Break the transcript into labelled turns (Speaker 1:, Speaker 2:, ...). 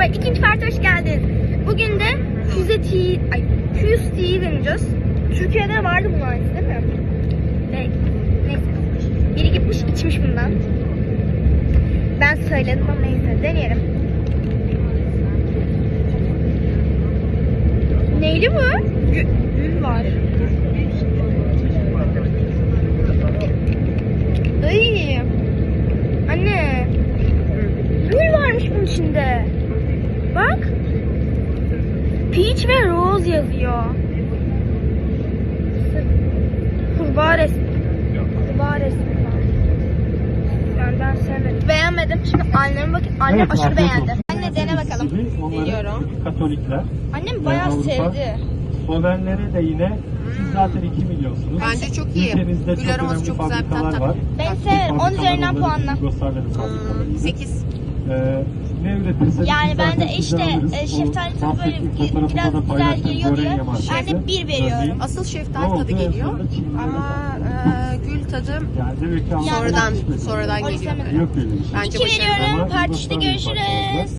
Speaker 1: İkinci parti hoş geldin. Bugün de Fuse Tea'yi deneyeceğiz. Türkiye'de vardı bunun aynısı değil mi? Neyse. Biri gitmiş içmiş bundan. Ben söyledim ama neyse deneyelim. Neyli bu? Gül var. Ay. Anne. Gül varmış bunun içinde. Bak. Peach ve Rose yazıyor. Kurbağa resmi. Kurbağa resmi var. Yani ben sevmedim. Beğenmedim. Şimdi anneme bakın. Annem
Speaker 2: Evet,
Speaker 1: aşırı
Speaker 2: afiyet
Speaker 1: beğendi.
Speaker 2: olsun.
Speaker 1: Anne dene bakalım.
Speaker 2: Deniyorum. Katolikler.
Speaker 1: Annem bayağı
Speaker 2: Avrupa.
Speaker 1: sevdi.
Speaker 2: Slovenlere de yine siz zaten 2 milyonsunuz.
Speaker 3: Bence çok iyi.
Speaker 2: Ülkenizde
Speaker 3: Gül
Speaker 2: çok
Speaker 3: aroması
Speaker 2: önemli
Speaker 3: çok güzel bir
Speaker 2: fabrikalar
Speaker 3: tat.
Speaker 2: var.
Speaker 1: Ben severim. 10 üzerinden puanla.
Speaker 2: Yugoslavya'nın fabrikalarıydı.
Speaker 3: 8.
Speaker 2: Ne üretirseniz
Speaker 1: Yani
Speaker 2: biz
Speaker 1: ben
Speaker 2: zaten
Speaker 1: de
Speaker 2: sizden
Speaker 1: işte
Speaker 2: alırız.
Speaker 1: şeftali
Speaker 2: O
Speaker 1: tadı böyle
Speaker 2: bahsettiğim
Speaker 1: biraz
Speaker 2: fotoğrafımda da
Speaker 1: güzel
Speaker 2: paylaştım.
Speaker 1: geliyor diye
Speaker 2: Gorenje markası.
Speaker 1: ben de 1 veriyorum.
Speaker 2: Örneğin,
Speaker 3: Asıl
Speaker 2: ne
Speaker 3: şeftali
Speaker 2: oldu?
Speaker 3: tadı geliyor.
Speaker 2: Sonra Çin'de
Speaker 3: Ama gül tadı
Speaker 2: yani demek ki
Speaker 3: sonradan
Speaker 2: Avrupa'da
Speaker 3: sonradan
Speaker 1: O
Speaker 3: geliyor.
Speaker 1: istemedim.
Speaker 2: yok öyle bir şey.
Speaker 3: Bence
Speaker 1: 2
Speaker 3: başarılı.
Speaker 1: veriyorum.
Speaker 2: Ama
Speaker 1: Part 3'te
Speaker 2: Yugoslavya'nın
Speaker 1: görüşürüz.
Speaker 2: fabrikaları.